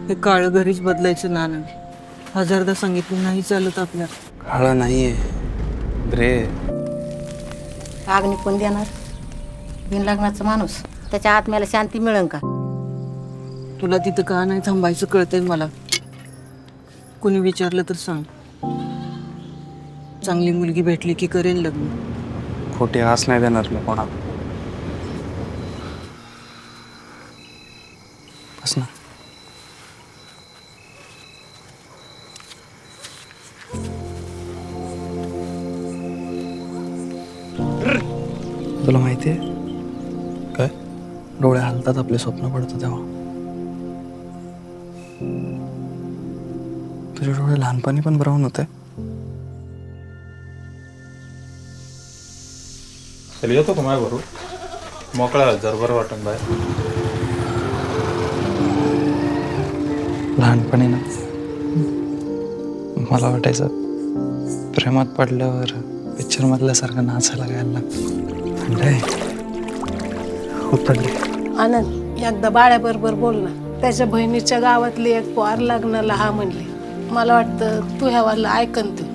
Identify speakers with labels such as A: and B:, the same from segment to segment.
A: हे काळं घरीच बदलायचं नाणं. हजारदा सांगितलं नाही चालत आपल्याला.
B: काळं नाहीये ग्रे.
C: अग्नी कोण देणार? बिनलग्नाचा माणूस, त्याच्या आत्म्याला शांती मिळेल का?
A: तुला तिथं का नाही थांबायचं कळतंय मला. कुणी विचारलं तर सांग. चांगली मुलगी भेटली की करेन लग्न.
B: खोटी आस नाही देणार मी कोणा. बस ना. तुला माहितीये
D: काय?
B: डोळे हलतात आपले स्वप्न पडतं तेव्हा. तुझे डोळे लहानपणी पण ब्राऊन होते.
D: चल येतो का माझ्या बरोबर? मोकळा जर बरं वाटून बाहेर.
B: लहानपणी ना मला वाटायचं प्रेमात पडल्यावर पिक्चर मधल्यासारखं नाचायला गायला लागतं. उतरले.
E: आनंद एकदा बाळ्याबरोबर बोल ना. त्याच्या बहिणीच्या गावातली एक पोर लग्नाला हा म्हणली. मला वाटतं तू ह्यावाला ऐकन तू.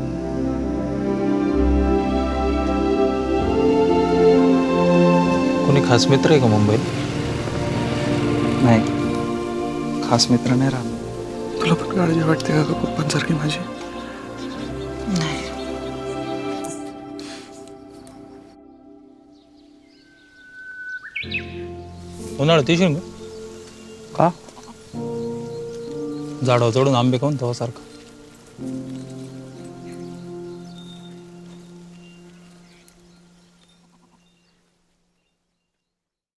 D: कोणी खास मित्र आहे का मुंबईत?
B: नाही, खास मित्र नाही राहत. तुला पण काळजी वाटते का पप्पांसारखी माझी?
D: उन्हाळ्यात येशील का?
B: का?
D: झाडावर चढून आंबे खाऊन तो सारखं.